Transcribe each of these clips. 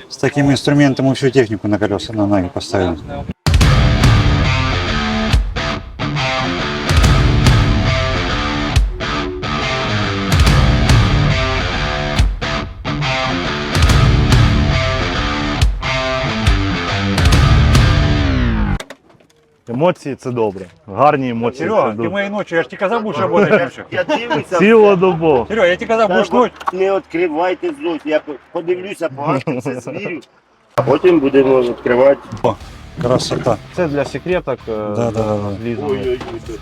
С таким инструментом мы всю технику на колеса, на ноги поставили. Емоції це добре. Гарні емоції. Серега, це ты добре. моей ночью, я ж тебе казал, будешь работать ночью. Я дивлюся. Цілодобово. Серега, я тебе казал, будешь ночь. Не відкривайте злость. Я подивлюся, погано все звірю. А потім будемо відкривати. О, красота. Це для секреток. Да. злізаних. Ой-ой-ой.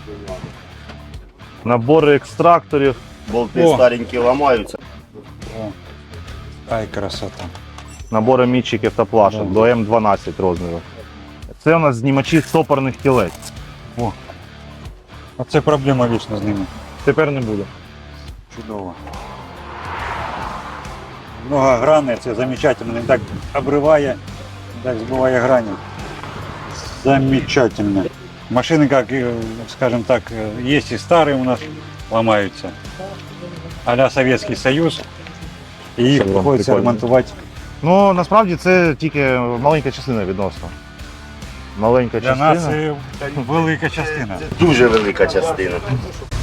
Набори екстракторів. Болти О. старенькі ламаються. О, ай, красота. Набори мітчиків та плашок до М12 розміру. Це у нас знімачі стопорних кілець. О, а це проблема вічно з ними. Тепер не буде. Чудово. Многогранне, це замечательно. Не так обриває, не так збиває грані. Замечательно. Машины, как, скажем так, есть и старые у нас, ломаются. А-ля Советский Союз. И их Це приходится прикольно. ремонтувати. Ну, насправді це тільки маленька частина відносно. Маленька Для частина. нас це велика частина. Дуже велика частина.